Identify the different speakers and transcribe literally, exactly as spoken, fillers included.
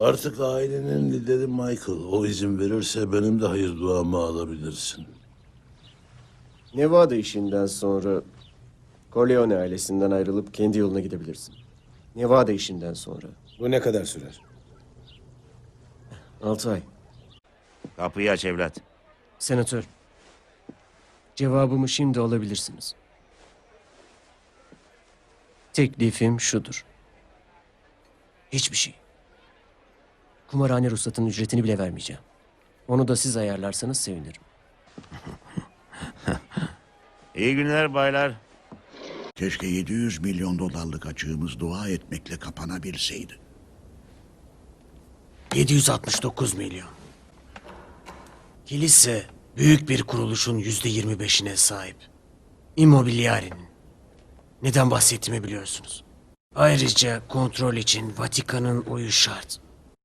Speaker 1: Artık ailenin lideri Michael. O izin verirse benim de hayır duamı alabilirsin.
Speaker 2: Nevada işinden sonra Corleone ailesinden ayrılıp kendi yoluna gidebilirsin. Nevada işinden sonra.
Speaker 3: Bu ne kadar sürer?
Speaker 2: Altı ay.
Speaker 4: Kapıyı aç evlat.
Speaker 2: Senatör, cevabımı şimdi alabilirsiniz. Teklifim şudur. Hiçbir şey. Kumarhane ruhsatının ücretini bile vermeyeceğim. Onu da siz ayarlarsanız sevinirim.
Speaker 4: İyi günler baylar.
Speaker 5: Keşke yedi yüz milyon dolarlık açığımız dua etmekle kapanabilseydi.
Speaker 6: yedi yüz altmış dokuz milyon. Kilise büyük bir kuruluşun yüzde yirmi beşine sahip. Immobiliare'nin. Neden bahsettiğimi biliyorsunuz. Ayrıca kontrol için Vatikan'ın oyu şart.